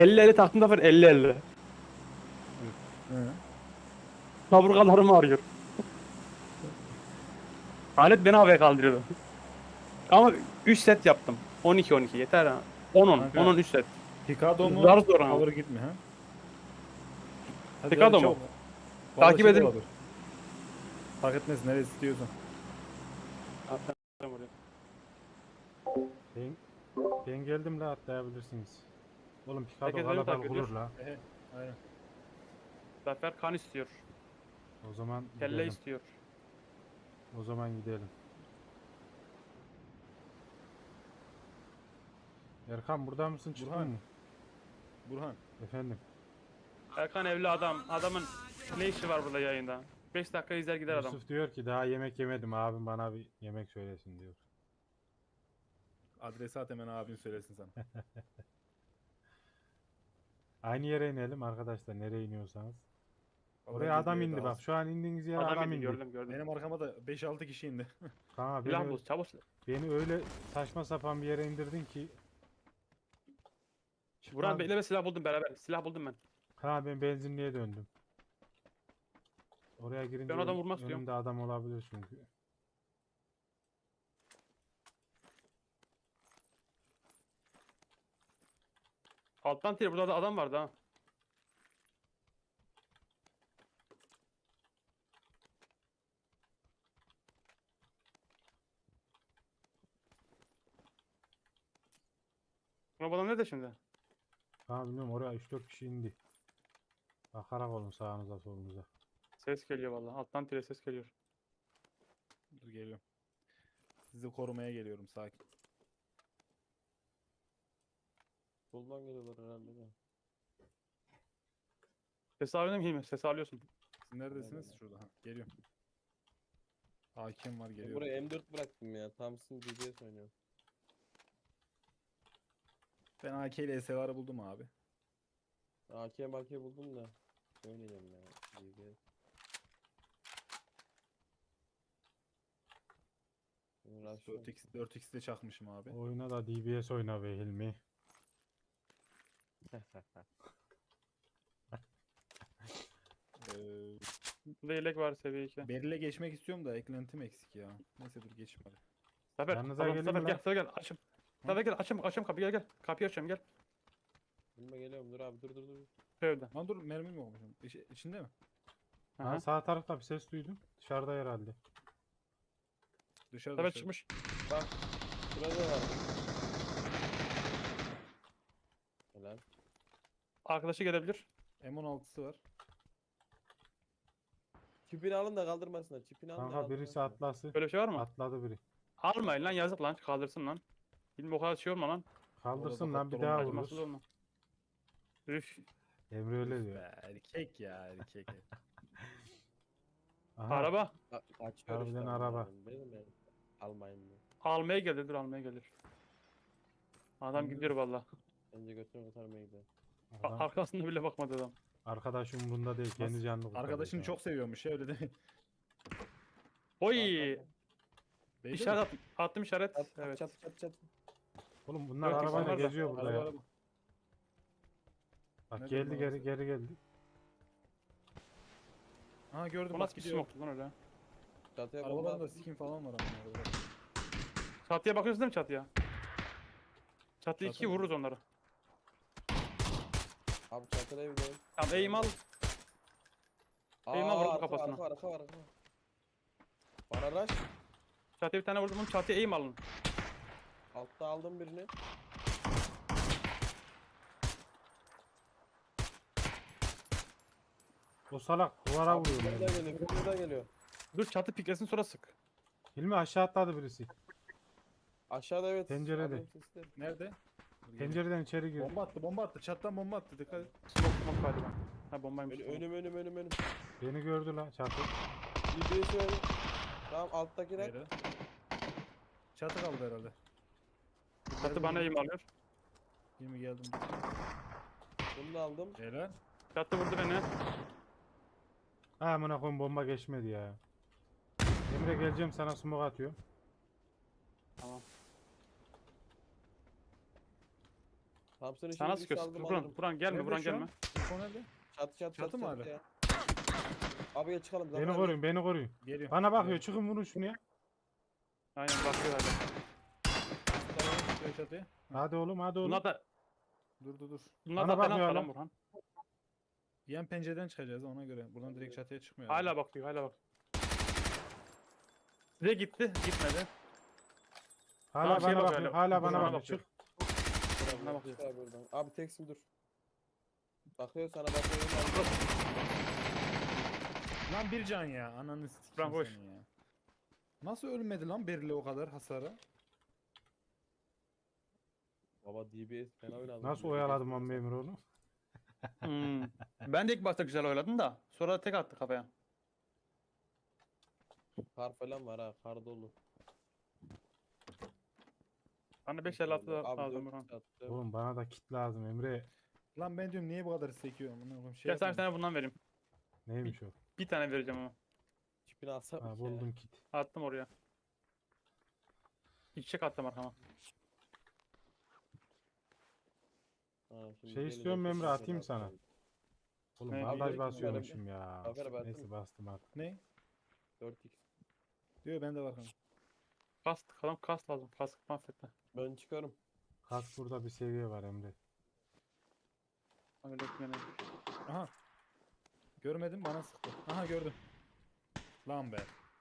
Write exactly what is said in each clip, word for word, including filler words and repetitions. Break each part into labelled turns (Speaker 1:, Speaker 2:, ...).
Speaker 1: elli elli taktım da var elli elli.
Speaker 2: Hı.
Speaker 1: Kaburgalarım ağrıyor. Alet beni havaya kaldırıyordu. Ama üç set yaptım. on iki on iki yeter ha. on on. on on
Speaker 2: Kanka
Speaker 1: üç set.
Speaker 2: Picado
Speaker 1: Zar
Speaker 2: mu?
Speaker 1: zor ama.
Speaker 2: Power git mi ha? Hadi hadi
Speaker 1: Picado mu?
Speaker 2: çabuk. Vallahi
Speaker 1: Takip
Speaker 2: şey de
Speaker 1: edin.
Speaker 2: olabilir. Fark etmez neresi istiyorsan.
Speaker 3: Ben, ben geldim la atlayabilirsiniz. Oğlum Picado
Speaker 1: Herkes beni
Speaker 3: kalabalık
Speaker 1: takip
Speaker 3: olur
Speaker 1: ediyor.
Speaker 3: la.
Speaker 2: Ehe, aynen.
Speaker 1: Zafer kan istiyor.
Speaker 3: O zaman
Speaker 1: Kelle
Speaker 3: gidelim.
Speaker 1: istiyor.
Speaker 3: O zaman gidelim. Erkan burada mısın çıktın
Speaker 2: Burhan.
Speaker 3: mı?
Speaker 2: Burhan.
Speaker 3: Efendim.
Speaker 1: Erkan evli adam. Adamın ne işi var burada yayında? beş dakika izler gider adam.
Speaker 3: Yusuf diyor ki daha yemek yemedim abim bana bir yemek söylesin diyor.
Speaker 2: Adresi at hemen abin söylesin sana.
Speaker 3: Aynı yere inelim arkadaşlar nereye iniyorsanız.
Speaker 2: Vallahi
Speaker 3: Oraya adam
Speaker 2: gezmeye
Speaker 3: indi
Speaker 2: daha
Speaker 3: bak
Speaker 2: az.
Speaker 3: şu an indiğiniz yere
Speaker 1: Adam,
Speaker 3: adam,
Speaker 1: indi
Speaker 3: indi.
Speaker 1: gördüm gördüm.
Speaker 2: Benim arkama da beş altı kişi indi.
Speaker 3: Kanka
Speaker 1: Silah
Speaker 3: beni,
Speaker 1: bul çabuk.
Speaker 3: beni öyle saçma sapan bir yere indirdin ki.
Speaker 1: Buran
Speaker 3: Çıkmaz-
Speaker 1: bekle ve silah buldum beraber. Silah buldum ben.
Speaker 3: Ha ben benzinliğe döndüm. Oraya girince
Speaker 1: Ben adam
Speaker 3: ön-
Speaker 1: vurmak istiyorum.
Speaker 3: önümde adam olabilir çünkü.
Speaker 1: Alttan tire burada da adam vardı ha. Bu adam nerede şimdi?
Speaker 3: Ha bilmiyorum oraya üç dört kişi indi. Bakarak olun sağınıza solunuza.
Speaker 1: Ses geliyor vallahi. Alttan tire ses geliyor.
Speaker 2: Dur geliyorum. Sizi korumaya geliyorum sakin.
Speaker 4: Soldan geliyorlar herhalde de.
Speaker 1: Ses alıyor değil mi? Ses alıyorsun.
Speaker 2: Siz neredesiniz?
Speaker 4: Aynen.
Speaker 2: Şurada. Ha, geliyorum. Hakim var
Speaker 4: Ben
Speaker 2: geliyorum.
Speaker 4: buraya M dört bıraktım ya. Thompson D B S oynuyor.
Speaker 2: Ben A K ile S L'ları buldum abi.
Speaker 4: A K M A K buldum da. Oynayacağım ya. D B S. Uğraşıyorum.
Speaker 2: dört x dört x'de çakmışım abi.
Speaker 3: Oyuna da D B S oyna be Hilmi.
Speaker 2: Ee,
Speaker 1: Burada yelek var seviye iki.
Speaker 2: Beril'e geçmek istiyorum da eklentim eksik ya. Neyse dur geçeyim hadi.
Speaker 1: Zafer,
Speaker 3: Yanınıza
Speaker 1: tamam,
Speaker 3: gelin
Speaker 1: Zafer
Speaker 3: mi
Speaker 1: gel,
Speaker 3: lan?
Speaker 1: Zafer gel, açım. Zafer gel, açım, açım kapıyı gel gel. Kapıyı açıyorum gel.
Speaker 4: Bilme geliyorum dur abi dur dur dur.
Speaker 1: Şöyle.
Speaker 2: Lan dur mermim olmuşum. İç, içinde mi?
Speaker 1: Hı
Speaker 3: Ha,
Speaker 1: hı.
Speaker 3: sağ tarafta bir ses duydum. Dışarıda herhalde.
Speaker 2: Dışarıda
Speaker 1: Zafer
Speaker 2: dışarı.
Speaker 1: çıkmış.
Speaker 4: Bak. Şurada var. Helal.
Speaker 1: Arkadaşı gelebilir.
Speaker 2: M on altısı var.
Speaker 4: Çipini alın da kaldırmasınlar. Çipini alın da
Speaker 3: Kanka birisi
Speaker 4: kaldırmasınlar.
Speaker 3: atlası.
Speaker 1: Böyle bir şey var mı?
Speaker 3: Atladı biri.
Speaker 1: Almayın lan yazık lan kaldırsın lan. Bilmiyorum o kadar şey olma lan.
Speaker 3: Kaldırsın
Speaker 2: Orada
Speaker 3: lan bir
Speaker 2: doktor
Speaker 3: daha
Speaker 2: olmaz.
Speaker 3: vurur.
Speaker 1: Acımasız olma. Üf.
Speaker 3: Emre öyle
Speaker 2: Üf
Speaker 3: diyor.
Speaker 2: be, erkek ya erkek.
Speaker 3: Aha,
Speaker 1: Araba.
Speaker 4: A- Açıyor
Speaker 3: Harbiden
Speaker 4: işte
Speaker 3: araba.
Speaker 4: onların. Benim ben. Almayın diye.
Speaker 1: Almaya gelir dur almaya gelir. Adam gidiyor valla.
Speaker 4: Bence götürün kurtarmaya gidiyor.
Speaker 1: A-
Speaker 3: adam,
Speaker 1: Arkasında bile bakmadı adam.
Speaker 3: arkadaş umurunda değil. Kendi
Speaker 2: Nasıl?
Speaker 3: canını kurtarıyor
Speaker 2: Arkadaşını
Speaker 3: şu an.
Speaker 2: çok seviyormuş ya öyle değil mi?
Speaker 1: Oy.
Speaker 4: Bak,
Speaker 2: Beyde
Speaker 1: İşaret
Speaker 2: mi?
Speaker 1: attım. Attım işaret.
Speaker 4: bak. Çat
Speaker 1: Evet.
Speaker 4: çat çat çat.
Speaker 3: Oğlum bunlar
Speaker 1: Yok,
Speaker 3: arabayla
Speaker 1: insanlar da-
Speaker 3: geziyor burada
Speaker 2: Araba,
Speaker 3: ya.
Speaker 2: araba.
Speaker 3: Bak
Speaker 2: Nerede
Speaker 3: geldi
Speaker 2: bunlar
Speaker 3: geri
Speaker 2: arası?
Speaker 3: geri geldi.
Speaker 2: Ha gördüm
Speaker 1: O
Speaker 2: bak
Speaker 1: nasıl bir
Speaker 2: gidiyor.
Speaker 1: smoke'tu lan öyle?
Speaker 4: Çatıya bomba
Speaker 2: Arabalarında
Speaker 4: attım.
Speaker 2: skin falan var ama orada.
Speaker 1: Çatıya bakıyorsun değil mi çatıya? Çatı iki
Speaker 2: Çatı mı?
Speaker 1: vururuz onları.
Speaker 4: Abi çatıda evdeyim.
Speaker 1: Tamam aim al. Eğime
Speaker 4: Aa,
Speaker 1: vurdum
Speaker 4: arka,
Speaker 1: kafasına.
Speaker 4: Arka arka arka. Bana rush.
Speaker 1: Çatıya bir tane vurdum. Bunu çatıya aim alın.
Speaker 4: Altta aldım birini.
Speaker 3: O salak duvara
Speaker 4: Abi
Speaker 3: vuruyor.
Speaker 4: bir daha
Speaker 3: beni.
Speaker 4: geliyor. Bir daha geliyor.
Speaker 1: Dur çatı piklesin sonra sık.
Speaker 3: Hilmi aşağı atladı birisi.
Speaker 4: Aşağıda evet.
Speaker 3: Pencerede.
Speaker 4: Alıyorum sesleri.
Speaker 2: Nerede? Dur, geliyor.
Speaker 3: Pencereden içeri girdi.
Speaker 2: Bomba attı bomba attı çattan bomba attı dikkat et.
Speaker 1: Smoke smoke galiba. Ha bombaymış.
Speaker 4: Ön,
Speaker 1: tamam.
Speaker 4: önüm önüm önüm önüm.
Speaker 3: Beni gördü lan çatı.
Speaker 4: D B S öyle. Tamam alttaki rak.
Speaker 2: Nerede? Çatı kaldı herhalde.
Speaker 1: Çatı bana aim alıyor.
Speaker 2: Yirmi geldim.
Speaker 4: Bunu da aldım.
Speaker 2: Helal.
Speaker 1: Çatı vurdu beni.
Speaker 3: Ha amına koyayım bomba geçmedi ya. Emre geleceğim sana smoke atıyor.
Speaker 1: Tamam.
Speaker 4: Thompson'ı
Speaker 1: Sana
Speaker 4: şimdi
Speaker 1: sıkıyorsun.
Speaker 4: saldım
Speaker 1: Buran,
Speaker 4: alırım.
Speaker 1: Buran gelme,
Speaker 2: Nerede
Speaker 1: Buran
Speaker 2: şu an?
Speaker 1: gelme.
Speaker 2: Info nerede?
Speaker 4: Çatı çatı
Speaker 2: Çatı
Speaker 4: çatı
Speaker 2: mı
Speaker 4: çatı
Speaker 2: hala?
Speaker 4: ya. Abi gel çıkalım. Zafer
Speaker 3: Beni
Speaker 4: abi.
Speaker 3: koruyun, beni koruyun.
Speaker 2: Geliyor.
Speaker 3: Bana bakıyor,
Speaker 2: Geliyor.
Speaker 3: çıkın vurun şunu ya.
Speaker 1: Aynen bakıyor hala.
Speaker 2: Tamam, çıkıyor çatıya.
Speaker 3: Hadi oğlum, hadi oğlum.
Speaker 1: Bunlar da
Speaker 2: Dur dur dur.
Speaker 1: bunlar
Speaker 3: Bana
Speaker 1: da fena
Speaker 3: bakıyor
Speaker 1: falan
Speaker 3: hala.
Speaker 1: Burhan.
Speaker 2: Yan pencereden çıkacağız ona göre. Buradan direkt çatıya çıkmıyor.
Speaker 1: Hala bakıyor, hala bak. Size gitti, gitmedi.
Speaker 3: Hala
Speaker 1: Tamam, şeye
Speaker 3: bana
Speaker 1: bakıyor
Speaker 3: bakıyor,
Speaker 1: hala.
Speaker 3: hala bana
Speaker 1: Burhan'a
Speaker 3: bakıyor.
Speaker 1: bakıyor.
Speaker 3: Çık.
Speaker 4: Abi,
Speaker 1: Bana
Speaker 4: çık
Speaker 1: bakıyor.
Speaker 4: abi buradan. Abi teksin dur. Bakıyor sana bakıyor.
Speaker 2: Lan bir can ya. Ananı sikeyim
Speaker 1: Lan boş.
Speaker 2: senin ya. Nasıl ölmedi lan Berli o kadar hasara?
Speaker 4: Baba D B S fena oynadı.
Speaker 3: Nasıl
Speaker 4: D B S
Speaker 3: oyaladım lan
Speaker 4: oynadı.
Speaker 3: memur oğlum?
Speaker 1: Hmm. Ben de ilk başta güzel oynadım da sonra da tek attı kafaya.
Speaker 4: Kar falan var ha. Kar dolu.
Speaker 1: Bana beş elli altı
Speaker 4: Abi
Speaker 1: lazım
Speaker 4: dört
Speaker 1: Burhan.
Speaker 4: attı.
Speaker 3: Oğlum bana da kit lazım Emre.
Speaker 2: Lan ben diyorum niye bu kadar sekiyor? Amına koyayım, Şey
Speaker 1: Gel sana bir
Speaker 2: yapıyorum.
Speaker 1: tane bundan vereyim.
Speaker 3: Neymiş o?
Speaker 1: Bir tane vereceğim ama.
Speaker 4: Çipini alsam
Speaker 3: Ha,
Speaker 4: ya.
Speaker 3: buldum kit.
Speaker 1: Attım oraya. İki çek attım arkama.
Speaker 4: Ha, şimdi
Speaker 3: Şey
Speaker 4: gelin
Speaker 3: istiyorum
Speaker 4: hepsi
Speaker 3: Emre,
Speaker 4: size
Speaker 3: atayım
Speaker 4: de
Speaker 3: sana.
Speaker 4: atayım.
Speaker 3: Oğlum
Speaker 1: Ne?
Speaker 3: bandaj
Speaker 4: Abi,
Speaker 3: basıyormuşum ya.
Speaker 4: Zafer abi,
Speaker 3: Neyse
Speaker 4: atayım.
Speaker 3: bastım artık.
Speaker 2: Ne?
Speaker 4: dört x.
Speaker 2: Diyor bende var kanka.
Speaker 1: Kas, adam kas lazım. Kas mahvetti.
Speaker 4: Ben çıkarım.
Speaker 3: Kask burada bir seviye var Emre.
Speaker 1: Öyle yani.
Speaker 2: Aha. Görmedim bana sıktı. Aha gördüm. Lan be.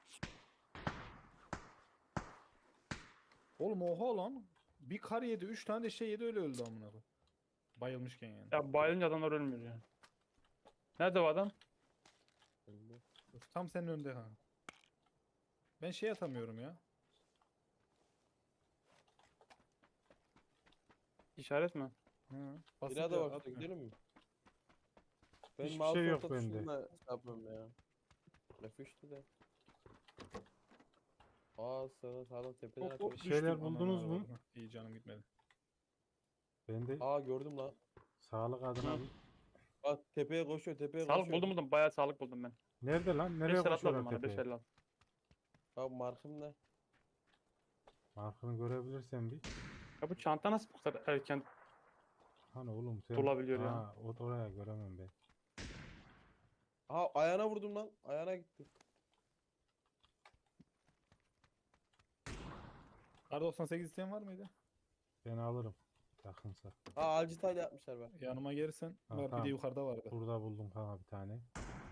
Speaker 2: Oğlum oha lan. Bir kar yedi, üç tane de şey yedi öyle öldü amına koyayım. Bayılmışken yani.
Speaker 1: Ya bayılınca adamlar ölmüyor ya. Nerede o adam?
Speaker 4: Önde.
Speaker 2: Tam senin önünde ha. Ben şey atamıyorum ya.
Speaker 1: İşaret mi?
Speaker 2: Hı.
Speaker 4: Bir
Speaker 2: Basınca
Speaker 4: daha var şurada
Speaker 2: atmıyor.
Speaker 4: gidelim mi? Ben
Speaker 3: Hiçbir
Speaker 4: mouse
Speaker 3: şey yok
Speaker 4: orta
Speaker 3: bende.
Speaker 4: tuşumla şey yapıyorum ya. F üçtü de. Aa sağdan sağdan tepeden
Speaker 2: Hop hop
Speaker 4: atıyor.
Speaker 3: şeyler
Speaker 2: düştüm.
Speaker 3: buldunuz
Speaker 2: Anam
Speaker 3: mu?
Speaker 2: avradım. İyi canım gitmedi.
Speaker 3: Ben de
Speaker 4: Aa gördüm lan.
Speaker 3: sağlık adına
Speaker 1: Hı.
Speaker 3: bir...
Speaker 4: Bak tepeye koşuyor tepeye
Speaker 1: Sağlık
Speaker 4: koşuyor.
Speaker 1: buldum buldum. Bayağı sağlık buldum ben.
Speaker 3: Nerede lan? Nereye
Speaker 1: beş elli altı
Speaker 3: koşuyorlar
Speaker 1: lazım bana. beş
Speaker 3: tepeye?
Speaker 1: elli altı.
Speaker 4: Abi markım ne?
Speaker 3: Markını görebilirsen bir.
Speaker 1: Ya bu çanta nasıl bu kadar erken?
Speaker 3: Hani oğlum sen...
Speaker 1: Dolabiliyor ya.
Speaker 3: Ha, o oraya göremem ben.
Speaker 4: Aha ayağına vurdum lan. Ayağına gitti.
Speaker 2: Kar doksan sekiz isteyen var mıydı?
Speaker 3: Ben alırım. Yakınsa.
Speaker 4: Aa alcital yapmışlar bak.
Speaker 2: Yanıma gelirsen
Speaker 3: Ha,
Speaker 2: var bir
Speaker 3: tamam.
Speaker 2: de yukarıda vardı.
Speaker 3: Burada buldum kanka bir tane.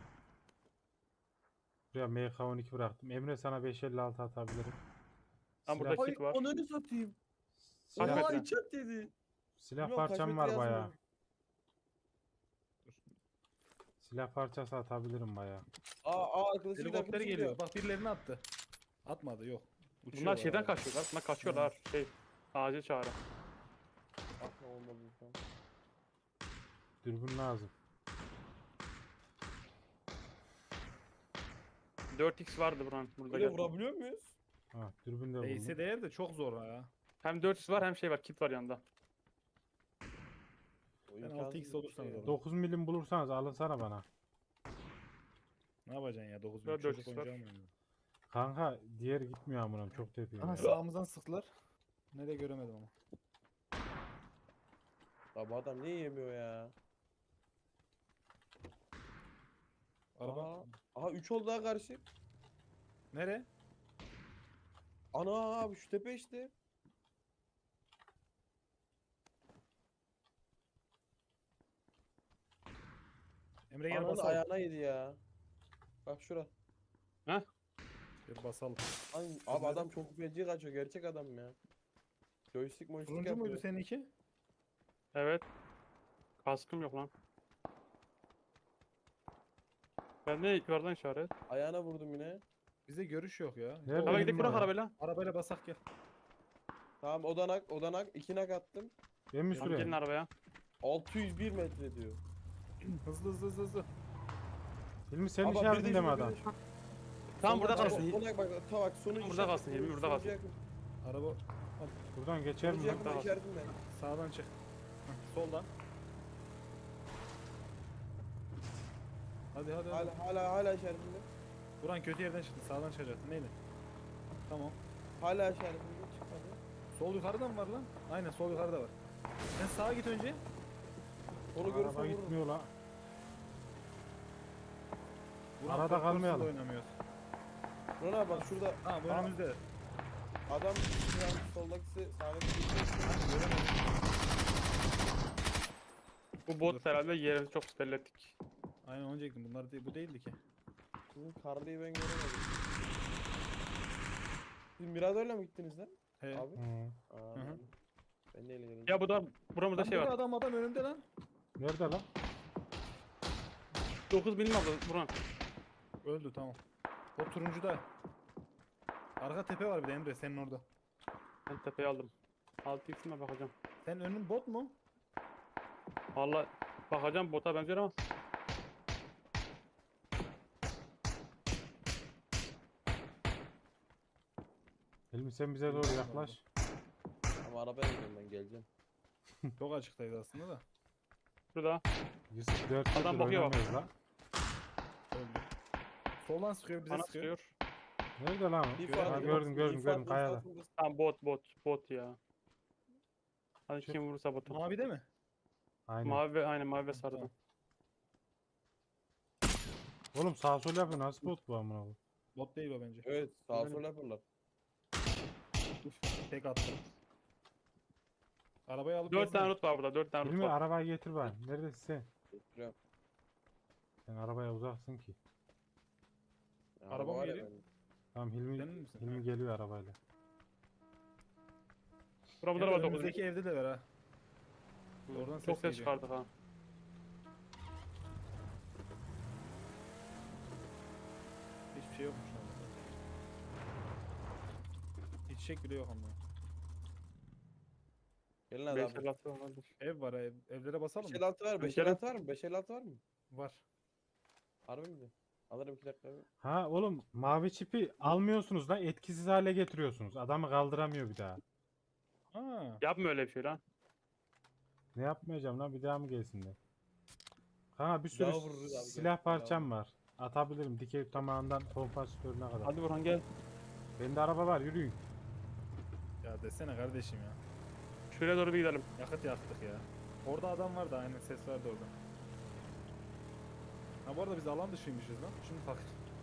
Speaker 3: Buraya M K on iki bıraktım. Emre sana beş elli altı atabilirim.
Speaker 1: Lan burada
Speaker 3: Silah,
Speaker 1: kit var.
Speaker 4: Ananı satayım.
Speaker 1: Kaç
Speaker 4: Oha
Speaker 1: metre?
Speaker 4: içat dedi.
Speaker 3: silah
Speaker 4: Bilmiyorum, kaç
Speaker 3: parçam
Speaker 4: metre
Speaker 3: var bayağı.
Speaker 4: yazmıyor.
Speaker 3: Silah parçası atabilirim bayağı.
Speaker 4: Aa aa arkadaşı
Speaker 2: Helikopter geliyor. Bak birilerini attı. Atmadı yok.
Speaker 1: Bunlar
Speaker 2: Uçuyorlar
Speaker 1: şeyden
Speaker 2: hala.
Speaker 1: kaçıyorlar. Bunlar kaçıyorlar. Şey. Acil çağrı.
Speaker 4: Atma olmadı lütfen.
Speaker 3: Dürbün lazım.
Speaker 1: dört x vardı buranın. Burada
Speaker 4: Böyle
Speaker 1: gel.
Speaker 4: vurabiliyor muyuz?
Speaker 3: Ha, dürbün de
Speaker 2: Değse
Speaker 3: buldum.
Speaker 2: değer de çok zor ya.
Speaker 1: Hem dört x var hem şey var. Kit var yanında.
Speaker 4: O
Speaker 2: Ben
Speaker 4: imkansız
Speaker 2: altı x
Speaker 4: bir şey
Speaker 2: olursanız
Speaker 4: ya.
Speaker 2: alırım.
Speaker 3: dokuz milim bulursanız alın sana bana.
Speaker 2: Ne yapacaksın ya dokuz
Speaker 1: Ya
Speaker 2: bin
Speaker 1: dört
Speaker 2: çocuk
Speaker 1: x var.
Speaker 2: oyuncağı mı oynuyor?
Speaker 3: Kanka diğer gitmiyor amınam çok tepeyim
Speaker 2: Aha
Speaker 3: ya.
Speaker 2: sağımızdan sıktılar. Nereye göremedim ama.
Speaker 4: Ya bu adam niye yemiyor ya?
Speaker 2: Araba.
Speaker 4: Aha, aha üç oldu daha karşı.
Speaker 2: Nere?
Speaker 4: Ana abi şu tepe işte.
Speaker 2: Emre gel
Speaker 4: Ananın
Speaker 2: basalım.
Speaker 4: ayağına yedi ya. Bak şura.
Speaker 2: Gel basalım.
Speaker 4: Lan, abi adam çok feci kaçıyor. Gerçek adam ya. Joystick moystick
Speaker 2: Turuncu
Speaker 4: yapıyor.
Speaker 2: muydu seninki?
Speaker 1: Evet. Kaskım yok lan. Ben de yukarıdan işaret.
Speaker 4: Ayağına vurdum yine.
Speaker 2: Bizde görüş yok ya.
Speaker 3: Nerede
Speaker 1: Hadi
Speaker 3: Benim
Speaker 1: gidelim
Speaker 3: de
Speaker 1: bırak
Speaker 3: ya.
Speaker 1: arabayla.
Speaker 2: Arabayla basak gel.
Speaker 4: Tamam odanak odanak iki nak attım.
Speaker 3: Ben mi
Speaker 1: Tamam, gelin
Speaker 3: süreyim?
Speaker 1: arabaya.
Speaker 4: altı yüz bir metre diyor.
Speaker 2: Hızlı hızlı hızlı hızlı.
Speaker 3: Hilmi senin
Speaker 4: Ama bir de
Speaker 3: işaretinde mi
Speaker 4: şurada, bir
Speaker 3: adam?
Speaker 4: de şu-
Speaker 1: Tamam burada
Speaker 4: Sonuna-
Speaker 1: kalsın.
Speaker 4: Odanak bak ta bak sonu
Speaker 1: Burada
Speaker 4: işaret-
Speaker 1: kalsın, Hilmi, burada
Speaker 4: sonucu
Speaker 1: kalsın.
Speaker 4: yakın.
Speaker 2: Araba
Speaker 3: Buradan geçer mi
Speaker 4: Sonucu
Speaker 3: lan?
Speaker 4: yakın
Speaker 1: Tamam.
Speaker 4: işaretinde.
Speaker 2: sağdan çık. Heh, soldan. Hadi hadi hadi.
Speaker 4: Hala hala hala işaretinde.
Speaker 2: Buran kötü yerden çıktı. Sağdan çıkacaktın. Neydi? Tamam.
Speaker 4: Hala işaretinde çıkmadı.
Speaker 2: Sol yukarıda mı var lan? Aynen sol yukarıda var. Sen sağa git önce.
Speaker 4: Onu görürsen
Speaker 3: Araba
Speaker 4: vururum.
Speaker 3: gitmiyor la.
Speaker 2: Burak,
Speaker 3: Arada
Speaker 2: Ford
Speaker 3: kalmayalım.
Speaker 2: Corsa'da oynamıyoruz.
Speaker 4: Buran abi bak şurada
Speaker 2: Ha bu
Speaker 4: Aa,
Speaker 2: önümüzde.
Speaker 4: adam şuran soldakisi sağdaki
Speaker 2: Göremedim.
Speaker 1: Bu bot
Speaker 2: Dur.
Speaker 1: herhalde yerimizi çok bellettik.
Speaker 2: Aynen onu diyecektim. Bunlar değil, bu değildi ki.
Speaker 4: Sizin karlıyı ben göremedim. Siz Mirado'yla mı gittiniz lan?
Speaker 2: He.
Speaker 4: Abi.
Speaker 3: Hı.
Speaker 4: Aa,
Speaker 2: Hı hı.
Speaker 4: ben- Ben neyle geldim?
Speaker 1: Ya bu da buramızda
Speaker 2: Lan
Speaker 1: şey
Speaker 2: burada
Speaker 1: var.
Speaker 2: adam adam önümde lan.
Speaker 3: Nerede lan?
Speaker 1: dokuz binim aldı Buran.
Speaker 2: Öldü tamam. O turuncuda. Arka tepe var bir de Emre senin orada.
Speaker 1: Ben tepeyi aldım. altı x'ime bakacağım.
Speaker 2: Senin önün bot mu?
Speaker 1: Valla bakacağım bota benziyor ama.
Speaker 3: Hilmi sen bize doğru yaklaş.
Speaker 4: Ama arabaya gidiyorum ben geleceğim.
Speaker 2: Çok açıktaydı aslında da.
Speaker 1: Şurada.
Speaker 3: Yusuf dört
Speaker 1: Adam
Speaker 3: yıldır
Speaker 1: bakıyor bak.
Speaker 3: oynamıyoruz lan.
Speaker 2: Öldü. Soldan sıkıyor bize
Speaker 1: Bana
Speaker 2: sıkıyor.
Speaker 1: sıkıyor.
Speaker 3: Nerede lan o?
Speaker 4: Bir
Speaker 2: Ha,
Speaker 3: Ha,
Speaker 4: farklı-
Speaker 3: gördüm
Speaker 4: bir
Speaker 3: gördüm gördüm
Speaker 4: farklı
Speaker 3: kayada.
Speaker 4: statında-
Speaker 1: Tamam bot bot bot ya. Hadi
Speaker 3: Çık.
Speaker 1: kim vurursa botu.
Speaker 2: Mavi de mi?
Speaker 3: Aynen.
Speaker 1: Mavi ve aynen mavi ve sarıda.
Speaker 2: Tamam.
Speaker 3: Oğlum sağ sol yapıyor nasıl bot bu amına koyayım?
Speaker 2: Bot değil o bence.
Speaker 4: Evet sağa
Speaker 1: Aynen.
Speaker 4: sola yaparlar.
Speaker 2: Uf, tek attım. Arabayı alıp
Speaker 1: dört
Speaker 2: gelsene.
Speaker 1: tane loot var burada. dört tane loot
Speaker 3: Hilmi
Speaker 1: var.
Speaker 3: arabayı getir bari. Neredesin sen?
Speaker 4: Getiriyorum.
Speaker 3: Sen arabaya uzaksın ki.
Speaker 4: Ya,
Speaker 2: Araba mı
Speaker 4: var ya
Speaker 2: geliyor?
Speaker 4: benim.
Speaker 3: Tamam Hilmi,
Speaker 2: Sen misin?
Speaker 3: Hilmi
Speaker 2: Ha.
Speaker 3: geliyor arabayla.
Speaker 1: Buramızda
Speaker 2: Emre,
Speaker 1: var dokuz.
Speaker 2: önümüzdeki evde de var ha. Oradan
Speaker 1: Çok
Speaker 2: ses
Speaker 1: ses
Speaker 2: geliyor.
Speaker 1: çıkardık ha.
Speaker 2: Hiçbir şey yokmuş lan. Hiç çek bile yok ama.
Speaker 4: Gelin hadi
Speaker 1: beş
Speaker 4: abi.
Speaker 1: elli altı vardır.
Speaker 2: Ev var ha, ev, evlere basalım
Speaker 4: beş
Speaker 2: mı?
Speaker 4: elli altı var mı? beş elli altı var mı? beş elli altı var mı?
Speaker 2: Var.
Speaker 4: Harbi mi? Alırım iki dakika abi.
Speaker 3: Ha oğlum mavi çipi almıyorsunuz da etkisiz hale getiriyorsunuz. Adamı kaldıramıyor bir daha.
Speaker 2: Ha.
Speaker 1: Yapma öyle bir şey lan.
Speaker 3: Ne yapmayacağım lan bir daha mı gelsinler? Kanka bir sürü
Speaker 4: Daha vururuz abi,
Speaker 3: silah
Speaker 4: gel.
Speaker 3: parçam var. Atabilirim dikey tamamından kompansatörüne kadar.
Speaker 1: Hadi Burhan gel.
Speaker 3: Bende araba var yürüyün.
Speaker 2: Ya desene kardeşim ya.
Speaker 1: Şuraya doğru bir gidelim.
Speaker 2: Yakıt yaktık ya. Orada adam vardı aynen ses vardı orada. Ha bu arada biz alan dışıymışız lan. Şimdi bak.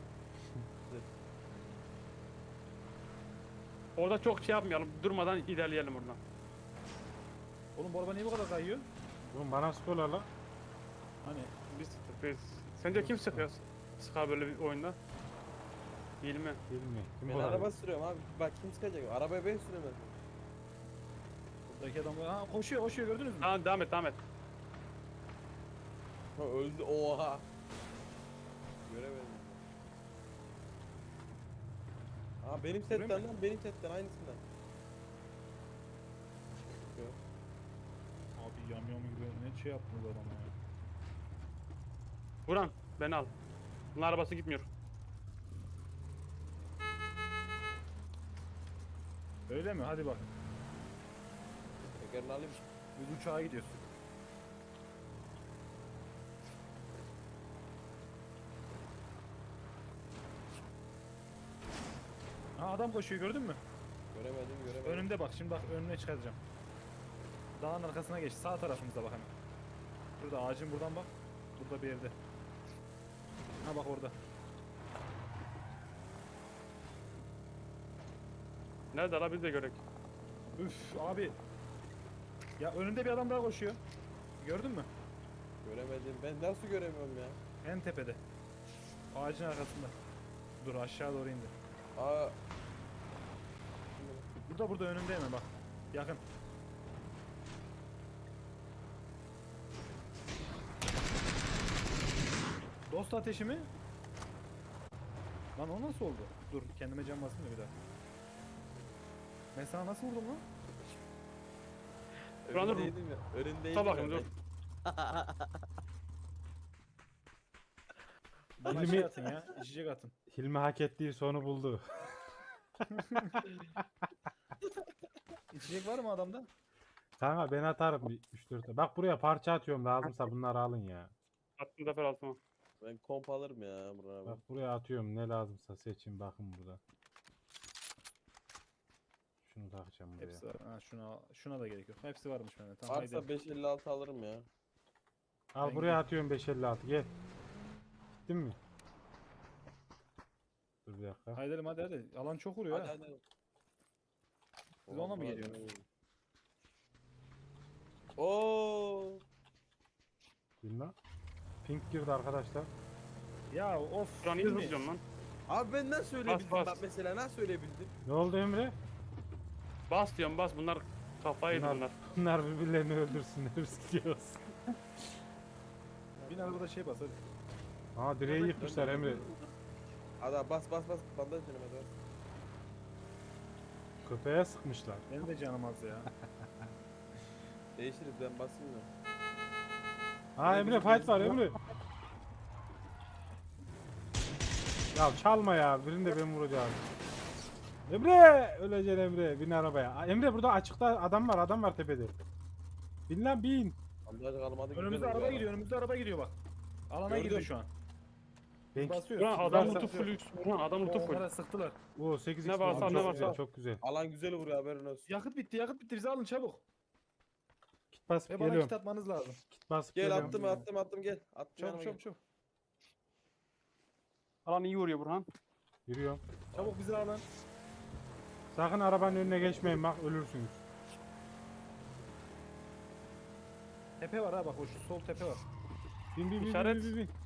Speaker 1: Orada çok şey yapmayalım. Durmadan ilerleyelim oradan.
Speaker 2: Oğlum bu araba niye bu kadar kayıyor?
Speaker 3: Oğlum bana sıkıyorlar lan.
Speaker 2: Hani
Speaker 1: Biz sıktık biz. Sence kim sıkıyor? Sıkar böyle bir oyunda. Hilmi.
Speaker 3: Hilmi. Kim
Speaker 4: Ben
Speaker 3: bu
Speaker 4: araba
Speaker 3: araba?
Speaker 4: sürüyorum abi. Bak kim sıkacak? Arabaya ben süremem.
Speaker 2: buradaki adam ha koşuyor koşuyor gördünüz mü?
Speaker 1: Tamam devam et devam et.
Speaker 4: Ha öldü. Oha. Göremedim. Aa benim
Speaker 2: Görüyor
Speaker 4: setten
Speaker 2: musun?
Speaker 4: lan benim setten aynısından. Yok.
Speaker 2: Abi yamyam gibi ne şey yaptınız adama ya.
Speaker 1: Burhan beni al. Bunun arabası gitmiyor.
Speaker 2: Öyle mi? Hadi bakın.
Speaker 4: Tekerini alayım.
Speaker 2: Biz uçağa gidiyoruz. Ha adam koşuyor gördün mü?
Speaker 4: Göremedim göremedim.
Speaker 2: Önümde bak şimdi bak önüne çıkaracağım. Dağın arkasına geç sağ tarafımızda bak hemen. Burada ağacın buradan bak. Burada bir yerde. Ha bak orada.
Speaker 1: Nerede la biz de görek.
Speaker 2: Üf abi. Ya önünde bir adam daha koşuyor. Gördün mü?
Speaker 4: Göremedim. Ben nasıl göremiyorum ya?
Speaker 2: En tepede. Ağacın arkasında. Dur aşağı doğru indi.
Speaker 4: Aa.
Speaker 2: Burada burada önümde hemen bak. Yakın. Dost ateşi mi? Lan o nasıl oldu? Dur kendime can basayım da bir daha. Ben sana nasıl vurdum lan?
Speaker 1: Buran dur.
Speaker 4: Önündeydim ya. Önündeydim.
Speaker 1: Dur bakayım
Speaker 4: ya
Speaker 1: dur.
Speaker 2: Bana
Speaker 3: Hilmi-
Speaker 2: şey atın ya. İçecek atın.
Speaker 3: Hilmi hak ettiği sonu buldu.
Speaker 2: İçecek var mı adamda?
Speaker 3: Kanka ben atarım bir üç dört. Bak buraya parça atıyorum lazımsa bunları alın ya.
Speaker 1: Attım zafer altıma.
Speaker 4: Ben komp alırım ya Buran abi.
Speaker 3: Bak buraya atıyorum ne lazımsa seçin bakın burada. Şunu takacağım buraya.
Speaker 2: Hepsi var. Ha, şuna, şuna da gerek yok. Hepsi varmış bende. Tamam haydi.
Speaker 4: Varsa beş elli altı alırım ya.
Speaker 3: Al
Speaker 2: Ben
Speaker 3: buraya
Speaker 2: gidiyorum.
Speaker 3: atıyorum beş elli altı gel. Gittin mi? Dur bir dakika.
Speaker 2: Haydi hadi hadi. Alan çok vuruyor
Speaker 4: Hadi
Speaker 2: ha.
Speaker 4: hadi.
Speaker 2: Siz ona mı
Speaker 4: Vallahi
Speaker 2: geliyorsunuz?
Speaker 4: ben- Oo.
Speaker 3: Bilmem. Pink girdi arkadaşlar.
Speaker 2: Ya of.
Speaker 1: Şu an iyi
Speaker 2: değil mi?
Speaker 1: zıplıyorum lan.
Speaker 4: Abi ben nasıl ölebildim
Speaker 1: bas.
Speaker 4: bak mesela nasıl ölebildim?
Speaker 3: Ne oldu Emre?
Speaker 1: Bas diyorum bas. Bunlar kafayı yedi
Speaker 3: Bunlar,
Speaker 1: bunlar.
Speaker 3: bunlar birbirlerini öldürsünler istiyoruz.
Speaker 2: Bin arabada şey bas hadi.
Speaker 3: Aa direği yıkmışlar Emre.
Speaker 4: Hadi bas bas bas bandaj canım hadi bas.
Speaker 3: Köpeğe sıkmışlar.
Speaker 2: Benim de canım az ya.
Speaker 4: Değişiriz ben basayım da.
Speaker 3: Aa Emre fight var Emre. Ya çalma ya. Birini de ben vuracağım. Emre! Öleceksin Emre. Bin arabaya. Aa, Emre burada açıkta adam var. Adam var tepede. Bin lan bin.
Speaker 4: Bandaj kalmadı. güzel
Speaker 2: Önümüzde
Speaker 4: oluyor
Speaker 2: araba
Speaker 4: ya.
Speaker 2: gidiyor. Önümüzde araba gidiyor bak. Alana
Speaker 4: Gördüm.
Speaker 2: gidiyor şu an.
Speaker 3: Ben
Speaker 2: Basıyoruz.
Speaker 1: Ulan
Speaker 2: Biz
Speaker 1: adam
Speaker 2: basıyoruz.
Speaker 1: lootu full. Ulan adam lootu
Speaker 2: O,
Speaker 1: full.
Speaker 2: Onlara sıktılar.
Speaker 3: Oo sekiz
Speaker 1: Ne
Speaker 3: x
Speaker 1: varsa,
Speaker 3: çok
Speaker 1: ne
Speaker 3: güzel,
Speaker 1: varsa.
Speaker 3: çok güzel.
Speaker 4: Alan güzel vuruyor haberin olsun.
Speaker 2: Yakıt bitti yakıt bitti. Bizi alın çabuk.
Speaker 3: Kit basıp
Speaker 2: Ve bana
Speaker 3: geliyorum.
Speaker 2: kit atmanız lazım.
Speaker 3: Kit basıp
Speaker 4: Gel
Speaker 3: geliyorum.
Speaker 4: attım attım attım gel. Attım
Speaker 2: Çabuk
Speaker 4: yanıma
Speaker 2: çabuk
Speaker 4: gel.
Speaker 2: çabuk.
Speaker 1: Alan iyi vuruyor Burhan.
Speaker 3: Yürüyorum.
Speaker 2: Çabuk bizi alın.
Speaker 3: Sakın arabanın önüne geçmeyin bak ölürsünüz.
Speaker 2: Tepe var ha bak o şu sol tepe var.
Speaker 3: Bin bin bin
Speaker 1: İşaret.
Speaker 3: bin bin bin.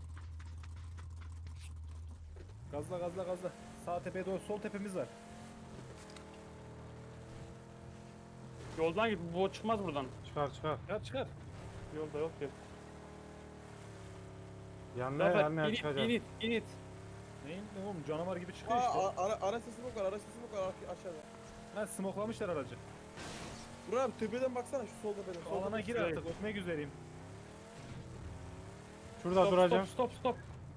Speaker 2: Gazla gazla gazla. Sağ tepeye doğru sol tepemiz var.
Speaker 1: Yoldan git. Bu çıkmaz buradan.
Speaker 3: Çıkar çıkar.
Speaker 2: Çıkar çıkar.
Speaker 1: Yolda yok ki.
Speaker 3: Yanına
Speaker 1: Zafer
Speaker 3: yanına
Speaker 1: init
Speaker 3: çıkacak.
Speaker 1: init init.
Speaker 2: Neyin ne oğlum canavar gibi çıkıyor
Speaker 4: Aa
Speaker 2: işte.
Speaker 4: a- ara, ara sesi mi var ara sesi mi var ar- aşağıda.
Speaker 2: Ha smoklamışlar aracı.
Speaker 4: Buraya abi tepeden baksana şu sol tepeden.
Speaker 2: Şu
Speaker 4: Sol
Speaker 2: alana
Speaker 4: tepeden.
Speaker 2: gir artık ötmek üzereyim.
Speaker 3: Şurada
Speaker 1: Stop
Speaker 3: duracağım.
Speaker 1: stop stop stop.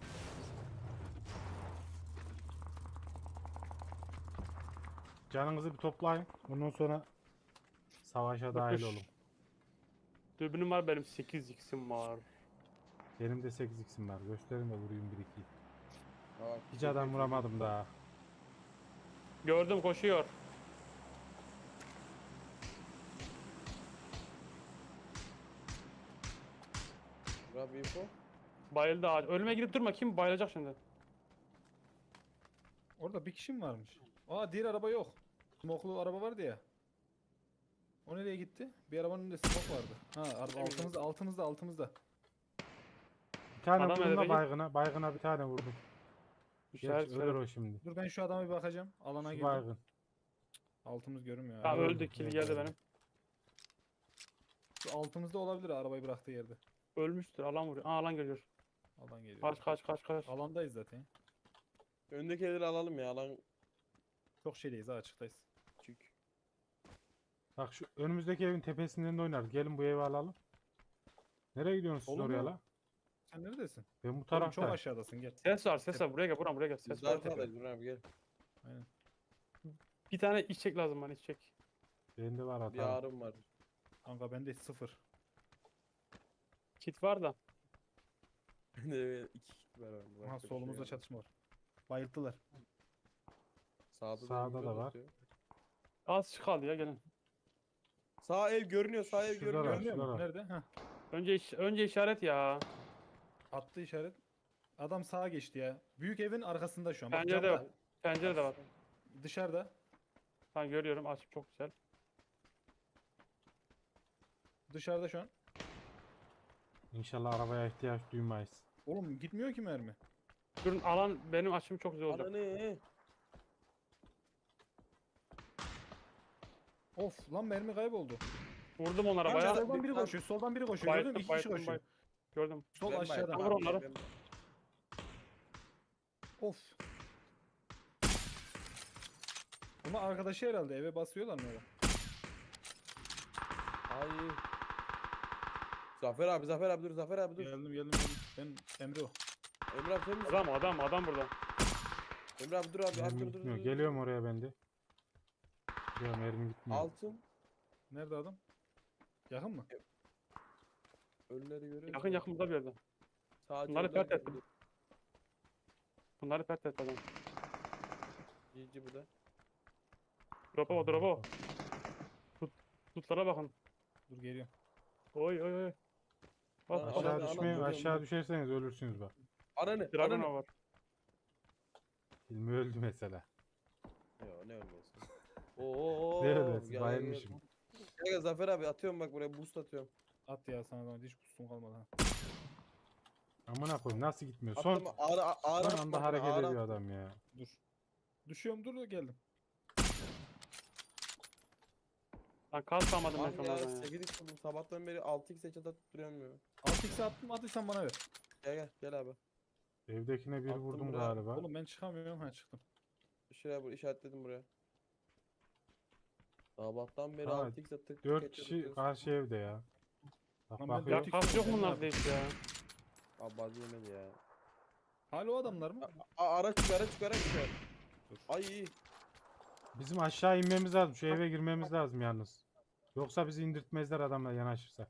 Speaker 3: Canınızı bir toplayın. Ondan sonra savaşa dahil
Speaker 1: Bakış.
Speaker 3: olun.
Speaker 1: Dürbünüm var benim sekiz x'im var.
Speaker 3: Benim de sekiz x'im var. Gösterin de vurayım bir iki.
Speaker 4: Bak,
Speaker 3: Hiç adam vuramadım daha.
Speaker 1: Gördüm koşuyor.
Speaker 4: Buraya bir info.
Speaker 1: Bayıldı ağaç. Ölüme gidip durma. Kim bayılacak şimdi?
Speaker 2: Orada bir kişi mi varmış? Aa diğer araba yok. Smoklu araba vardı ya. O nereye gitti? Bir arabanın önünde smoke vardı. Ha araba altımızda altımızda altımızda.
Speaker 3: Bir tane
Speaker 1: Adam
Speaker 3: vurdum
Speaker 1: nerede
Speaker 3: da
Speaker 1: peki?
Speaker 3: baygına. Baygına bir tane vurdum.
Speaker 1: İşaret
Speaker 3: Geç, ölür
Speaker 1: söyle.
Speaker 3: o şimdi.
Speaker 2: Dur ben şu adama bir bakacağım. Alana
Speaker 3: Şu
Speaker 2: girdim.
Speaker 3: baygın.
Speaker 2: Altımız görünmüyor.
Speaker 1: Ha
Speaker 2: abi.
Speaker 3: öldü.
Speaker 1: öldü. Kill geldi benim.
Speaker 2: Şu altımızda olabilir ha, arabayı bıraktığı yerde.
Speaker 1: Ölmüştür. Alan vuruyor. Aa alan geliyor.
Speaker 2: Alan geliyor.
Speaker 1: Kaç kaç kaç kaç.
Speaker 2: Alandayız zaten.
Speaker 4: Öndeki evleri alalım ya alan
Speaker 2: Çok şeydeyiz ha açıktayız.
Speaker 4: küçük.
Speaker 3: Bak şu önümüzdeki evin tepesinden de oynarız. Gelin bu evi alalım. Nereye gidiyorsunuz siz
Speaker 2: Olur mu?
Speaker 3: oraya la?
Speaker 2: Sen neredesin?
Speaker 3: Ben bu
Speaker 2: Oğlum çok
Speaker 3: taraftayım.
Speaker 2: aşağıdasın gel.
Speaker 1: Ses var ses var. Buraya gel. Buraya buraya gel.
Speaker 4: Biz
Speaker 1: Ses
Speaker 4: de
Speaker 1: var.
Speaker 4: arkadayız Burhan abi gel.
Speaker 2: Aynen.
Speaker 1: Bir tane içecek lazım bana içecek.
Speaker 3: Bende var
Speaker 4: Bir
Speaker 3: hata.
Speaker 4: ağrım var.
Speaker 2: Kanka bende sıfır.
Speaker 1: Kit var da.
Speaker 4: Bende evet, iki kit var abi.
Speaker 2: Aha
Speaker 4: başka bir şey
Speaker 2: solumuzda
Speaker 4: yok.
Speaker 2: çatışma var. Bayılttılar.
Speaker 4: Sağda,
Speaker 3: Sağda
Speaker 4: da,
Speaker 3: da var.
Speaker 4: atıyor.
Speaker 1: Az kaldı ya gelin.
Speaker 4: Sağ ev görünüyor sağ ev
Speaker 3: Şurada
Speaker 4: görünüyor.
Speaker 3: var.
Speaker 2: Görünüyor mu?
Speaker 3: şurada.
Speaker 2: Nerede? Ha.
Speaker 1: Önce iş- önce işaret ya.
Speaker 2: Attı işaret. Adam sağa geçti ya. Büyük evin arkasında şu an. Bak
Speaker 1: Pencere de
Speaker 2: camda.
Speaker 1: var. Pencere de var.
Speaker 2: Dışarıda.
Speaker 1: Ben görüyorum. Açıp çok güzel.
Speaker 2: Dışarıda şu an.
Speaker 3: İnşallah arabaya ihtiyaç duymayız.
Speaker 2: Oğlum gitmiyor ki mermi.
Speaker 1: Durun alan benim açım çok güzel oldu.
Speaker 4: Ana ne?
Speaker 2: Of lan mermi kayboldu.
Speaker 1: Vurdum onlara
Speaker 2: Kanka,
Speaker 1: bayağı.
Speaker 2: soldan biri
Speaker 4: bir-
Speaker 2: koşuyor. Soldan biri koşuyor. Gördün mü?
Speaker 1: Bayıldım
Speaker 2: İki kişi
Speaker 1: bayıldım
Speaker 2: koşuyor.
Speaker 1: bayıldım. Gördüm.
Speaker 2: Sol
Speaker 4: Ben
Speaker 2: aşağıda.
Speaker 4: bayıldım
Speaker 1: Vur
Speaker 4: abi,
Speaker 1: onları.
Speaker 4: ben-
Speaker 2: Of. Ama arkadaşı herhalde eve basıyorlar mı öyle?
Speaker 4: Ay. Zafer abi Zafer abi dur Zafer abi dur.
Speaker 2: Geldim geldim geldim. Ben Emre o.
Speaker 4: Emre abi sen misin?
Speaker 1: Adam adam adam burada.
Speaker 4: Emre abi dur abi. abi
Speaker 3: Mermi
Speaker 4: dur dur
Speaker 3: gitmiyor.
Speaker 4: dur.
Speaker 3: Geliyorum oraya ben de. Geliyorum mermi gitmiyor.
Speaker 4: Altın.
Speaker 2: Nerede adam? Yakın mı?
Speaker 4: Ölüleri görüyor
Speaker 1: Yakın yakın burada bir yerde.
Speaker 4: Sadece
Speaker 1: Bunları
Speaker 4: ölüler
Speaker 1: pert ettim.
Speaker 4: görüyor.
Speaker 1: Bunları pert et adam.
Speaker 4: Yiyici bu da.
Speaker 1: Drop'a bak drop'a bak. Tut, tutlara bakın.
Speaker 2: Dur geliyorum.
Speaker 1: Oy oy oy. Bak
Speaker 4: Ana-
Speaker 1: bak.
Speaker 3: Aşağı
Speaker 4: Anam,
Speaker 3: düşmeyin,
Speaker 4: anam,
Speaker 3: aşağı
Speaker 4: anam.
Speaker 3: düşerseniz ölürsünüz bak.
Speaker 4: Ananı.
Speaker 1: Dragon
Speaker 4: Ananı.
Speaker 1: var.
Speaker 3: Hilmi öldü mesela.
Speaker 4: Yo ne ölmüyorsun. Oo.
Speaker 3: Ne ölmesi,
Speaker 4: gel, gel,
Speaker 3: bayılmışım.
Speaker 4: Gel gel Zafer abi atıyorum bak buraya boost atıyorum.
Speaker 2: At ya sana da hiç kustum kalmadı ha.
Speaker 3: Amına koyayım nasıl gitmiyor? Son,
Speaker 4: Attım ağır ağır
Speaker 3: son
Speaker 4: attım
Speaker 3: anda
Speaker 4: bak,
Speaker 3: hareket
Speaker 4: ağır
Speaker 3: ediyor
Speaker 4: attım.
Speaker 3: adam ya.
Speaker 2: Dur. Düşüyorum dur geldim.
Speaker 1: Lan kas almadım ben
Speaker 4: Abi
Speaker 1: sana
Speaker 4: ya
Speaker 1: oradan ya.
Speaker 4: sekiz x buldum sabahtan beri altı x headshot atıp duruyorum ya.
Speaker 2: altı x'e attım attıysan bana ver.
Speaker 4: Gel gel gel abi.
Speaker 3: Evdekine bir
Speaker 4: Attım
Speaker 3: vurdum
Speaker 4: buraya.
Speaker 3: galiba.
Speaker 2: Oğlum ben çıkamıyorum ha çıktım.
Speaker 4: Şuraya bu işaretledim buraya. Sabahtan beri
Speaker 3: Ha,
Speaker 4: altı x atıp tık
Speaker 3: Dört
Speaker 4: headshot
Speaker 3: kişi
Speaker 4: atıyoruz.
Speaker 3: karşı evde ya. Bak
Speaker 2: Lan ben
Speaker 3: bakıyor.
Speaker 1: Ya
Speaker 2: dört
Speaker 1: kas yok mu
Speaker 2: Ben ne
Speaker 1: bunlarda hiç ya?
Speaker 4: Abi bazı yemedi ya.
Speaker 2: Hala o adamlar mı?
Speaker 4: A araç çıkar araç çıkar araç çıkar.
Speaker 2: Dur.
Speaker 4: Ay iyi.
Speaker 3: Bizim aşağı inmemiz lazım. Şu eve girmemiz lazım yalnız. Yoksa bizi indirtmezler adamla yanaşırsa.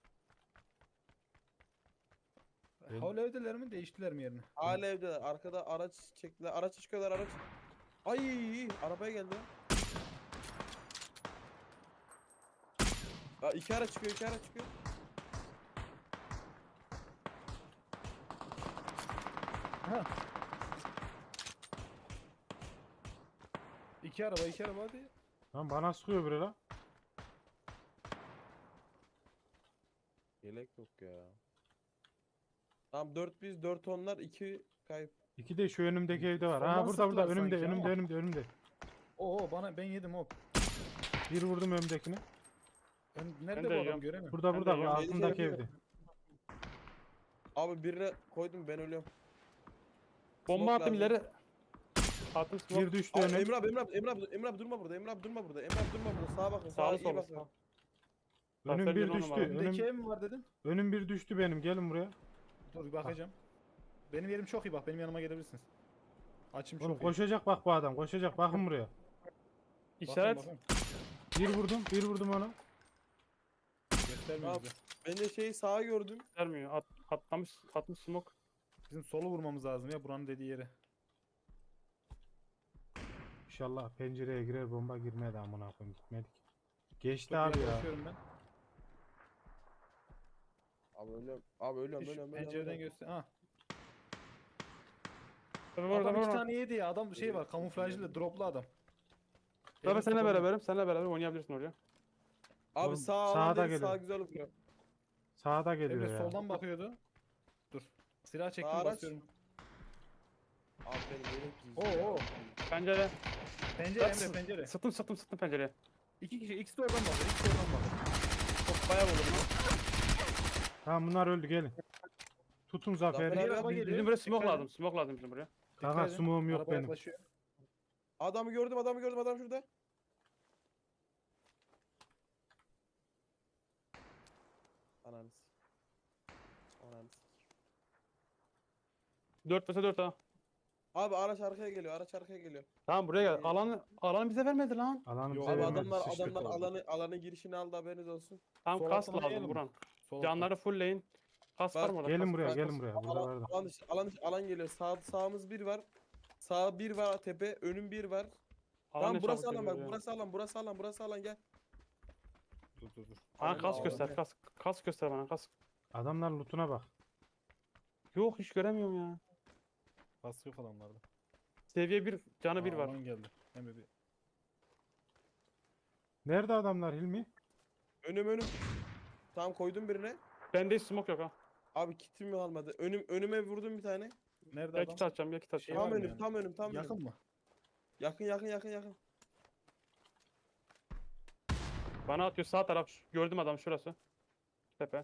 Speaker 3: Ben-
Speaker 2: Hala evdeler mi değiştiler mi yerini?
Speaker 4: Hala evde arkada araç çektiler araç çıkıyorlar araç. Ay iyi arabaya geldi lan. Aa, iki araç çıkıyor iki araç çıkıyor.
Speaker 2: Ha. İki araba iki araba hadi.
Speaker 3: Lan bana sıkıyor biri lan.
Speaker 4: Yelek yok ya. Tamam dört biz dört onlar iki kayıp.
Speaker 3: İki de şu önümdeki evde var.
Speaker 2: Ondan
Speaker 3: Ha burada burada
Speaker 2: sıktılar
Speaker 3: önümde
Speaker 2: sanki
Speaker 3: önümde
Speaker 2: ama.
Speaker 3: önümde önümde.
Speaker 2: Oo bana ben yedim hop.
Speaker 3: Bir vurdum önümdekini.
Speaker 2: Ben
Speaker 1: Ben
Speaker 2: nerede
Speaker 1: de
Speaker 2: bu adam
Speaker 1: yiyorum.
Speaker 2: göremiyorum.
Speaker 3: Burada
Speaker 1: Ben
Speaker 3: burada
Speaker 1: de
Speaker 3: bu
Speaker 1: yiyorum.
Speaker 3: altındaki
Speaker 4: Yedi
Speaker 3: evde.
Speaker 4: Abi birine koydum ben ölüyorum.
Speaker 1: Bomba
Speaker 4: Smoke
Speaker 1: attım
Speaker 4: lazım.
Speaker 1: ileri. Attım smoke.
Speaker 3: Bir düştü
Speaker 4: Abi,
Speaker 3: önüm.
Speaker 4: Emre abi Emre abi Emre abi Emre abi durma burada Emre abi durma burada Emre abi durma burada sağa bakın sağa
Speaker 1: Sağlı
Speaker 4: iyi
Speaker 1: solu
Speaker 4: bakın.
Speaker 1: sağ.
Speaker 3: Önüm
Speaker 1: Zafer
Speaker 3: bir
Speaker 1: Yunan'ım
Speaker 3: düştü.
Speaker 1: abi.
Speaker 2: Önümdeki
Speaker 3: Önüm,
Speaker 2: ev mi var dedin?
Speaker 3: önüm bir düştü benim. Gelin buraya.
Speaker 2: Dur bir bakacağım. Benim yerim çok iyi bak benim yanıma gelebilirsiniz. Açım çok
Speaker 3: Oğlum
Speaker 2: iyi.
Speaker 3: koşacak bak bu adam. Koşacak. Bakın buraya.
Speaker 1: İşaret.
Speaker 2: Bakın,
Speaker 3: Bir vurdum. Bir vurdum ona.
Speaker 2: bakın. Göstermiyor
Speaker 4: Abi.
Speaker 2: bize.
Speaker 4: Ben de şeyi sağa gördüm.
Speaker 1: Vermiyor. At, atlamış, atmış smoke.
Speaker 2: Bizim solu vurmamız lazım ya buranın dediği yere.
Speaker 3: İnşallah pencereye girer bomba girmedi amına koyayım gitmedik. Geçti
Speaker 2: Çok
Speaker 3: abi ya.
Speaker 2: yaklaşıyorum ben.
Speaker 4: Abi ölüyorum abi ölüyorum
Speaker 2: Şu
Speaker 4: ölüyorum.
Speaker 2: pencereden
Speaker 4: ölüyorum.
Speaker 2: göster. Ha.
Speaker 1: Zafer var,
Speaker 2: Adam
Speaker 1: Zafer
Speaker 2: iki
Speaker 1: var.
Speaker 2: tane yedi ya. Adam şey var kamuflajlı droplu adam.
Speaker 1: Zafer
Speaker 2: Elini
Speaker 1: seninle
Speaker 2: kapalı.
Speaker 1: beraberim. Seninle beraber oynayabilirsin oraya.
Speaker 4: Abi
Speaker 3: Oğlum,
Speaker 4: sağ
Speaker 3: sağda
Speaker 4: alan dedi
Speaker 3: geliyor.
Speaker 4: sağ güzel vuruyor.
Speaker 3: Sağda geliyor
Speaker 2: Emre
Speaker 3: ya.
Speaker 2: soldan bakıyordu. Dur. Silah çektim
Speaker 4: Araç.
Speaker 2: basıyorum.
Speaker 4: Abi benim yelek
Speaker 2: Oo, oo.
Speaker 1: Pencere.
Speaker 2: Pencere
Speaker 1: Yatsın.
Speaker 2: Emre pencere.
Speaker 1: Sıktım sıktım sıktım pencereye.
Speaker 2: İki kişi ikisi de oradan bakıyor. İkisi de oradan bakıyor.
Speaker 1: Çok bayağı vurdum.
Speaker 3: Tamam bunlar öldü gelin. Tutun Zafer'i.
Speaker 4: Zafer abi,
Speaker 2: araba
Speaker 1: Bizim,
Speaker 2: geliyor.
Speaker 1: bizim buraya smoke
Speaker 2: Dikkat
Speaker 1: lazım. Smoke lazım bizim buraya.
Speaker 3: Kanka
Speaker 2: Dikkat edin.
Speaker 3: smoke'um yok
Speaker 2: Araba
Speaker 3: benim.
Speaker 2: yaklaşıyor.
Speaker 4: Adamı gördüm adamı gördüm adam şurada. Ananı s- Ananı s-
Speaker 1: dört vs dört ha.
Speaker 4: Abi araç arkaya geliyor araç arkaya geliyor.
Speaker 1: Tamam buraya gel. Alanı, alanı bize vermedi lan.
Speaker 3: Alanı
Speaker 2: Yok,
Speaker 3: bize
Speaker 4: Abi
Speaker 2: Abi
Speaker 3: vermedi.
Speaker 4: adamlar
Speaker 3: sıçtık.
Speaker 4: adamlar
Speaker 2: oldu.
Speaker 4: alanı alanı girişini aldı haberiniz olsun.
Speaker 1: Tamam
Speaker 2: Sol
Speaker 1: kas
Speaker 2: altına
Speaker 1: lazım
Speaker 2: yiyelim mi?
Speaker 1: Buran.
Speaker 2: Sol
Speaker 1: Canları fullleyin. Kas
Speaker 4: Bak,
Speaker 1: var mı orada?
Speaker 3: Gelin
Speaker 1: Kas-
Speaker 3: buraya
Speaker 1: kas-
Speaker 3: gelin
Speaker 1: kas.
Speaker 3: buraya. Burada
Speaker 4: Alan,
Speaker 3: vardı.
Speaker 4: alan, dışı- alan, dışı- alan geliyor. Sağ sağımız bir var. Sağ bir var tepe, önüm bir var.
Speaker 1: Alan
Speaker 4: Tamam
Speaker 1: ne
Speaker 4: burası
Speaker 1: çabuk
Speaker 4: alan
Speaker 1: geliyor
Speaker 4: bak.
Speaker 1: ya.
Speaker 4: Burası alan, burası alan, burası alan gel.
Speaker 2: Dur dur dur.
Speaker 1: Bana
Speaker 4: Alan
Speaker 1: kas
Speaker 4: alan.
Speaker 1: göster. Kas, kas göster bana kas.
Speaker 3: Adamlar lootuna bak.
Speaker 1: Yok hiç göremiyorum ya.
Speaker 2: Bas yok adamlarda.
Speaker 1: Seviye bir canı bir
Speaker 2: Aa,
Speaker 1: var.
Speaker 2: alan geldi. Emre bir.
Speaker 3: Nerede adamlar Hilmi?
Speaker 4: Önüm önüm. Tamam koydum birine.
Speaker 1: Bende hiç smoke yok ha.
Speaker 4: Abi kitim mi almadı? Önüm önüme vurdum bir tane.
Speaker 2: Nerede
Speaker 1: Ya
Speaker 2: adam?
Speaker 1: kit atacağım ya kit
Speaker 2: Şey
Speaker 1: atacağım.
Speaker 2: var
Speaker 4: Tam
Speaker 2: mı
Speaker 4: önüm,
Speaker 2: yani?
Speaker 4: tam önüm, tam önüm.
Speaker 2: Yakın mı?
Speaker 4: Yakın yakın yakın yakın.
Speaker 1: Bana atıyor sağ taraf. Şu- Gördüm adam şurası. Tepe.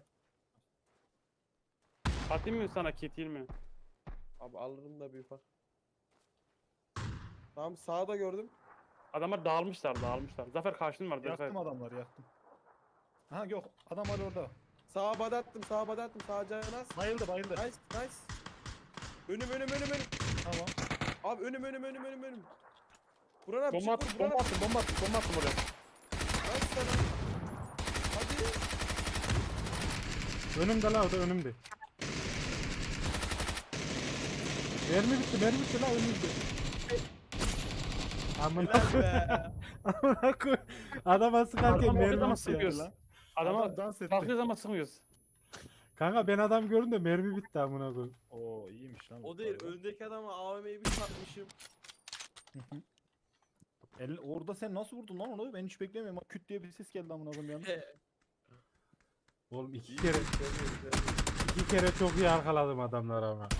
Speaker 1: Atayım mı sana kit değil mi?
Speaker 4: Abi alırım da bir ufak. Tamam sağda gördüm.
Speaker 1: Adamlar dağılmışlar dağılmışlar. Zafer karşın var. Zafer.
Speaker 2: Yaktım adamları yaktım. Ha yok adam var orada.
Speaker 4: Sağa bad attım, sağa bad attım, sağa canaz.
Speaker 2: Bayıldı bayıldı.
Speaker 4: Nice, nice. Önüm önüm önüm önüm.
Speaker 2: Tamam.
Speaker 4: Abi önüm önüm önüm önüm önüm. Buran abi
Speaker 1: Bomba
Speaker 4: çık
Speaker 1: attım
Speaker 4: vur, Buran
Speaker 1: bomba
Speaker 4: abi.
Speaker 1: attım bomba attım bomba attım oraya.
Speaker 4: Nice sana. Hadi.
Speaker 3: Önümde la o da önümde. Mermi bitti mermi bitti la önümde. Amına
Speaker 2: Helal be.
Speaker 3: Amına koy. Adama sıkarken
Speaker 1: Adam orada
Speaker 3: mermi
Speaker 1: ama
Speaker 3: bitti ya.
Speaker 1: sıkıyoruz. Adama
Speaker 2: Adam dans etti.
Speaker 1: kalkıyoruz ama sıkmıyoruz.
Speaker 3: Kanka ben adam gördüm de mermi bitti amına koy.
Speaker 2: Oo iyiymiş lan. bu
Speaker 4: O değil
Speaker 2: arada.
Speaker 4: öndeki adama A V M'yi bir çarpmışım.
Speaker 2: El, orada sen nasıl vurdun lan onu? Ben hiç beklemiyorum. Bak küt diye bir ses geldi amına koyayım yanlış.
Speaker 3: Oğlum iki kere iki kere çok iyi arkaladım adamlar ama.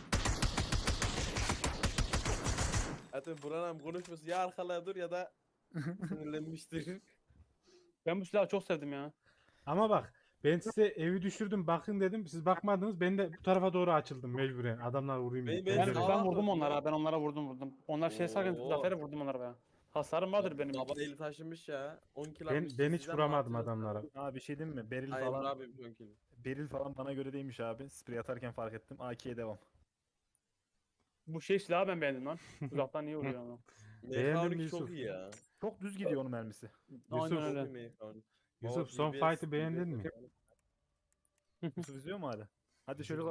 Speaker 4: Zaten Burhan abi konuşması ya arkalaya dur ya da sinirlenmiştir.
Speaker 1: Ben bu silahı çok sevdim ya.
Speaker 3: Ama bak ben size evi düşürdüm bakın dedim siz bakmadınız ben de bu tarafa doğru açıldım mecburen adamlar vurayım
Speaker 4: Ben-
Speaker 3: diye.
Speaker 4: ben
Speaker 1: Ben,
Speaker 4: sağa
Speaker 1: ben vurdum
Speaker 4: vurdum
Speaker 1: onlara.
Speaker 4: ya.
Speaker 1: Ben onlara vurdum vurdum. Onlar şey sarken
Speaker 4: Oo.
Speaker 1: Zafer'e vurdum onlara be. Hasarım vardır benim.
Speaker 4: Baba eli taşımış ya. on kill
Speaker 3: Ben,
Speaker 4: almış.
Speaker 3: ben hiç
Speaker 4: Sizden
Speaker 3: vuramadım
Speaker 4: mi atıyorsun?
Speaker 3: adamlara.
Speaker 2: Abi bir şey diyeyim mi? Beril
Speaker 4: Ay Emre
Speaker 2: falan
Speaker 4: abi on kill.
Speaker 2: Beril falan bana göre değilmiş abi. Sprey atarken fark ettim. A K'ye devam.
Speaker 1: Bu şey silahı ben beğendim lan. Uzaktan niye vuruyor ama.
Speaker 3: Beğendin mi
Speaker 4: M K on iki çok
Speaker 3: Yusuf?
Speaker 4: iyi ya.
Speaker 2: Çok düz gidiyor onun mermisi.
Speaker 1: Aynen
Speaker 3: Yusuf,
Speaker 1: öyle.
Speaker 4: Çok iyi M K on iki.
Speaker 3: Yusuf
Speaker 4: O
Speaker 3: son
Speaker 4: D B S,
Speaker 3: fight'ı beğendin mi?
Speaker 4: D B S.
Speaker 2: Yusuf izliyor mu hala? Hadi şöyle